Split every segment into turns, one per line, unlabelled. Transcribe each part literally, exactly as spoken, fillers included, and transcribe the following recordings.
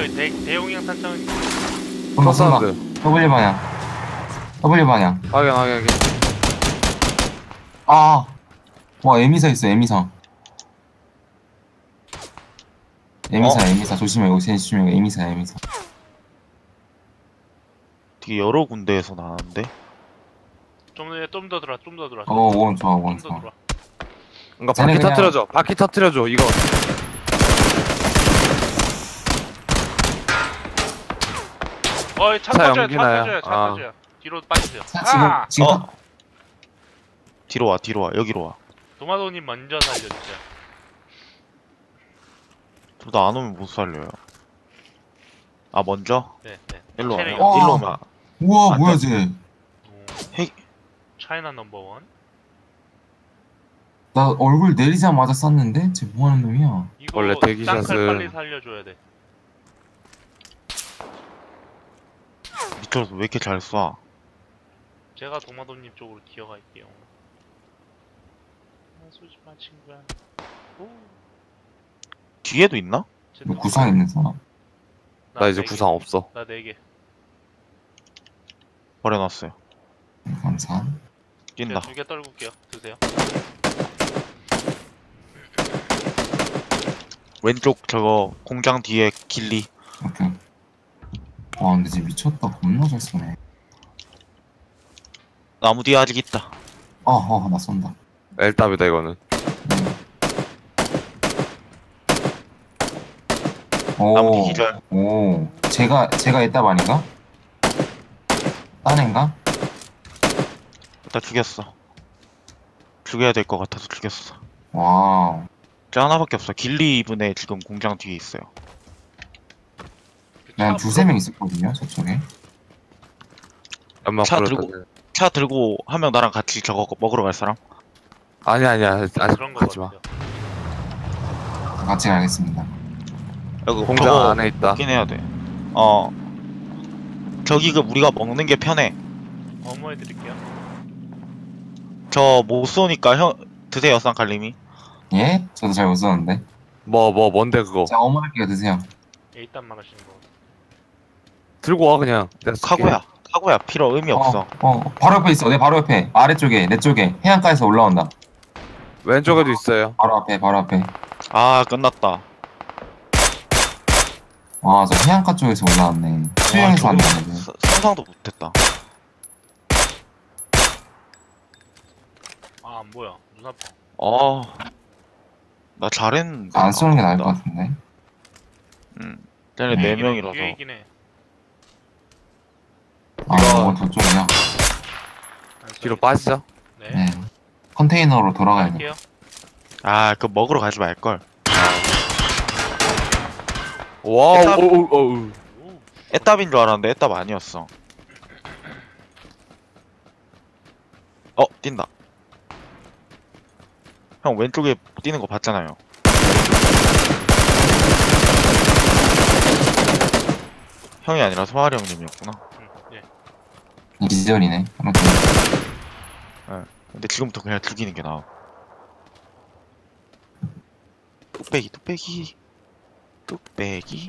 저기 대, 대용량 탄창은
쏜다 쏜다.
사운드.
W 방향. W 방향.
확인 확인 확인.
아. 와 에미사 있어 에미사. 에미사
어?
에미사 조심해 이거 제일 조심해 에미사 에미사.
되게 여러 군데에서 나왔는데.
좀 더 들어와 좀 더 들어와
어 원 좋아 원
좀 더
좋아.
들어와.
이거
쟤네
바퀴
그냥-
터트려줘. 바퀴 터트려줘. 이거.
어이 차
차
터져요 차
연기나요?
터져요 차
아.
터져요. 뒤로 빠지세요.
자, 지금
아!
지금
어. 뒤로 와, 뒤로 와, 여기로 와.
도마도님 먼저 살려주세요.
둘 다 안 오면 못 살려요. 아, 먼저?
네, 네.
일로 와.
체력이
어.
일로 오면.
우와
안
뭐야
돼.
쟤.
헤이.
차이나 넘버원.
나 얼굴 내리자마자 쐈는데 쟤 뭐하는 놈이야.
이거
원래 대기샷은-
쌍칼 빨리 살려줘야 돼.
미쳐서 왜 이렇게 잘 쏴?
제가 도마도님 쪽으로 기어갈게요. 아, 쏘지 마 친구야. 오.
뒤에도 있나?
쟤
뭐
또-
구상 있는 사람.
나 이제
네 개.
구상 없어.
나 네 개.
버려놨어요.
감사.
뛴다.
두개 떨굴게요. 드세요.
왼쪽 저거 공장 뒤에 길리.
오케이. 와 근데 쟤 미쳤다 겁나 잘 쏘네.
나무 뒤에 아직 있다.
아아나 쏜다.
엘답이다 이거는.
나무 뒤
오.
기절.
오. 제가 제가 에따 아닌가? 딴 애인가?
일단 죽였어. 죽여야 될 것 같아서 죽였어.
와우.
저 하나밖에 없어. 길리 이분에 지금 공장 뒤에 있어요.
난 두세 명 있었거든요 저쪽에.
연막
차
불었다.
들고- 차 들고 한 명 나랑 같이 저거 먹으러 갈 사람?
아니 아니야. 아직
그런 거
가지 마.
같아요.
같이 가겠습니다.
여기
공장
저거
안에 있다.
먹긴 해야 돼. 어. 저기 그 우리가 먹는 게 편해.
어머 해드릴게요.
저 못 쏘니까 형 드세요, 쌍칼님이.
예? 저도 잘 못 쏘는데.
뭐 뭐 뭔데 그거.
자 어머니께 드세요.
에이딴 말하시는 거.
들고 와 그냥. 내가 쓸게.
카고야. 카고야. 필요 의미 없어.
어, 어 바로 옆에 있어. 내 바로 옆에 아래쪽에 내 쪽에 해안가에서 올라온다.
왼쪽에도 있어요.
바로 앞에 바로 앞에.
아, 끝났다.
와 저 해안가 쪽에서 올라왔네. 수영해서
와,
안
저거
되네.
사- 상상도 못했다.
아 뭐야 눈 아파.
어. 나 잘했는데.
안 쏘는 게 나을 것
아깝다.
같은데.
응. 쟤네
네
네
뒤에
명이라서.
뒤에 있긴 해.
아
이거-
이거 저쪽이야.
안
뒤로
쏘이죠?
빠지자.
네.
네. 컨테이너로 돌아가야 돼.
갈게요.
아, 그 먹으러 가지 말걸.
와우.
일단-
오우 오우.
오.
애답인 줄 알았는데 애답 아니었어. 어, 뛴다. 형 왼쪽에 뛰는 거 봤잖아요. 형이 아니라 소아리 형님이었구나.
응, 예.
기절이네. 아무튼
근데 지금부터 그냥 죽이는 게 나아. 뚝배기, 뚝배기, 뚝배기.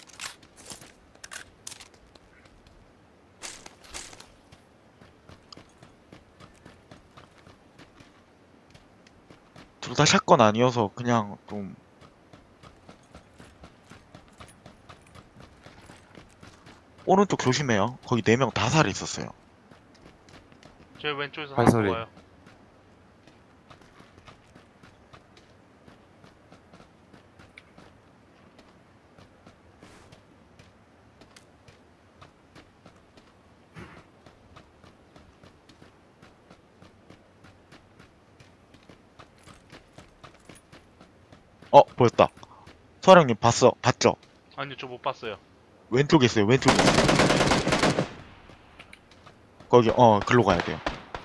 둘 다 샷건 아니어서 그냥 좀 오른쪽 조심해요. 거기 네 명 다 살아 있었어요.
저 왼쪽에서
발소리.
하나 와요.
어, 보였다. 소아리 형님 봤어, 봤죠?
아니요 저 못 봤어요.
왼쪽에 있어요, 왼쪽에 있어요. 거기, 어, 글로 가야 돼요.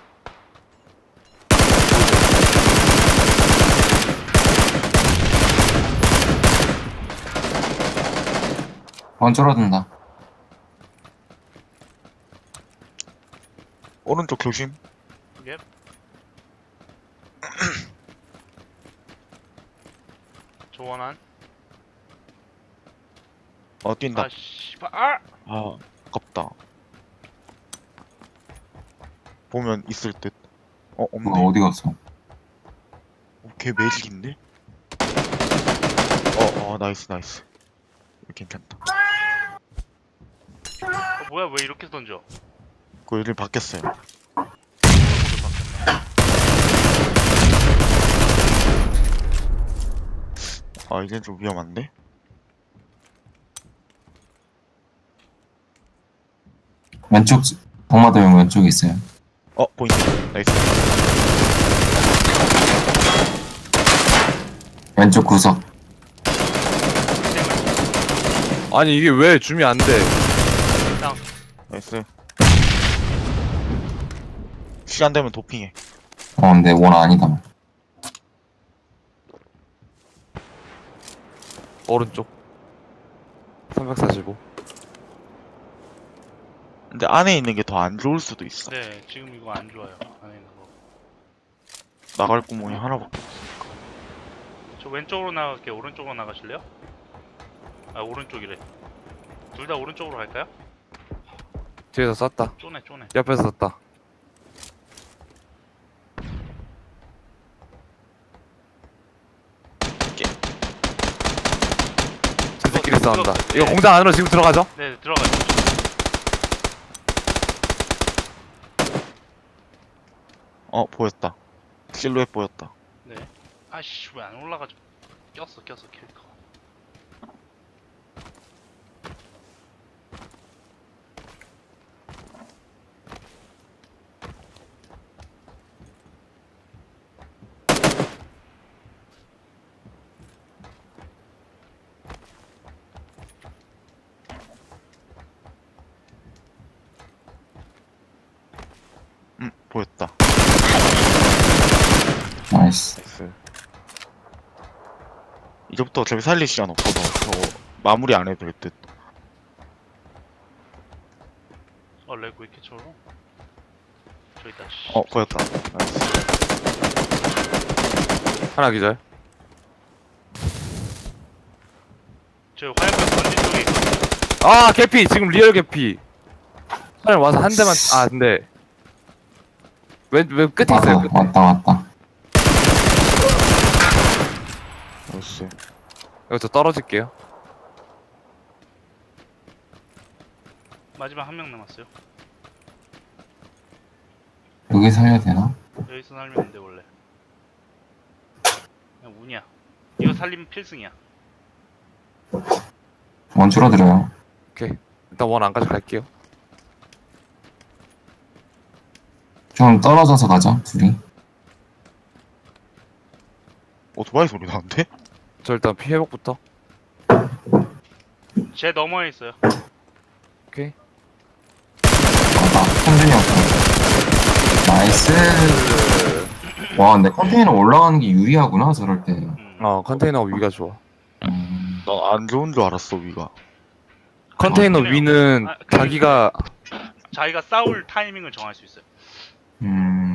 원 줄어든다.
오른쪽 조심.
예. 조원한.
어 뛴다.
아 씨발. 아!
아 아깝다. 보면 있을 듯. 어 없네.
뭐가 어디 갔어?
어, 걔 매직인데? 어, 어, 나이스, 나이스. 이거 괜찮다.
어, 뭐야 왜 이렇게 던져?
그거 이름 바뀌었어요. 아, 이젠 좀 위험한데?
왼쪽 동마도형 왼쪽에 있어요.
어, 보인다. 나이스.
왼쪽 구석.
아니 이게 왜 줌이 안 돼?
나이스. 시간 되면 도핑해.
어 근데 원 아니다.
오른쪽 삼백사십오.
근데 안에 있는 게 더 안 좋을 수도 있어.
네 지금 이거 안 좋아요. 안에 있는 거.
나갈 구멍이 하나밖에 없어.
저 왼쪽으로 나갈게요. 오른쪽으로 나가실래요? 아 오른쪽이래. 둘 다 오른쪽으로 갈까요?
뒤에서 쐈다.
쪼네 쪼네.
옆에서 쐈다. 지들끼리
이거-
싸운다.
이거-
이거
네.
공장 안으로 지금 들어가죠?
네 들어가죠.
어, 보였다. 실루엣 보였다.
네. 아씨 왜 안 올라가죠? 꼈어 꼈어 캐릭터.
음, 보였다.
나이스.
나이스. 이제부터 어차피 살릴 시간 없어서 저거 마무리 안 해도 될 듯.
어 레고 왜 이렇게 쳐로? 저 있다. 씨.
어, 보였다. 나이스.
하나 기절.
저 화염병 던진 쪽에 있거든요.
아 개피 지금 리얼 개피. 사람 와서 한 대만. 아 근데 왼왼 끝에
왔다
있어요. 끝에.
왔다 왔다.
나이스.
여기서 떨어질게요.
마지막 한 명 남았어요.
여기 살려야 되나?
여기서 살면 안 돼 원래. 그냥 운이야. 이거 살리면 필승이야.
원 줄어들어요.
오케이. 일단 원 안까지 갈게요.
좀 떨어져서 가자 둘이.
오토바이 소리 나는데?
저 일단 피 회복부터.
제 너머에 있어요.
오케이.
아, 컨테이너 없어. 나이스. 와 근데 컨테이너 올라가는 게 유리하구나 저럴 때.
음.
어 컨테이너 위가 좋아.
음,
난 안 좋은 줄 알았어, 위가.
컨테이너
그래요.
위는
아, 그래요.
자기가
자기가 싸울 타이밍을 정할 수 있어요.
음.